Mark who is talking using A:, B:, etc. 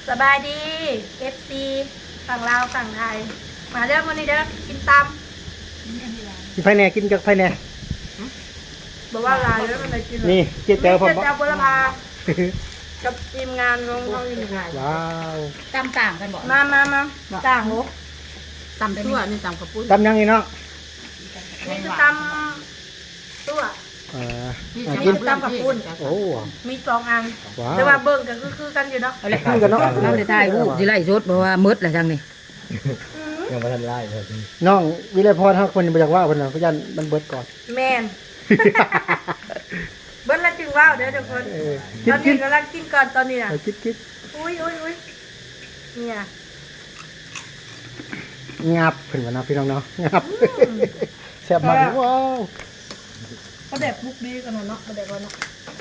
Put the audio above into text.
A: สบายดีFCฝั่งลาวฝั่งไทยมาเด้อมื้อนี้เด้อกินตำ
B: กินไผ่แหน่กินจากไผ่แหน่
A: บอกว่าลายแล้วมันเลยกิน
B: นี่เจ๊แต๋วผม
A: เจ๊แต๋วบุรพากับทีมงานของเราอยู่ไหน
B: ว้าว
C: ตำต่างกันบ่
A: มาต่างโห
C: ตำได้ทั่วนี่ตำกระปุ้น
B: ตำยังนี่เนาะ
A: นี่คือตำตัว
C: นี่
B: กิน
A: ตำกับปุ้น
B: โอ้
A: มี2 อัน
B: ว้าว
A: แต่ว่าเบิ่งก็คือกันอยู่เนาะ
C: เอาละคือกันเนาะเราได้ถ่ายรูปสิไล่สดเพราะว่ามืดแล้วจังนี่
D: ยังไม่ทันไล่เลย
B: น้องวิไลพรเขาคนบ่อยากว่าเพิ่นน่ะเพราะยันมันเบิดก่อน
A: แม่นเบิ่งแล้วจึงว้าวเด้อทุกคน
B: กิ
A: ต
B: น
A: อน
B: กิ
A: นี้
B: น
A: กำลังกินก่อนตอนนี้น่ะ
B: กิน
A: อุ้ยเนี่ย
B: งับเพิ่นว่านะพี่น้องเนาะงับแซ่บมากว้าว
A: เขาเด็กมุกดีกันเนาะเขาเด็กว่าเนาะ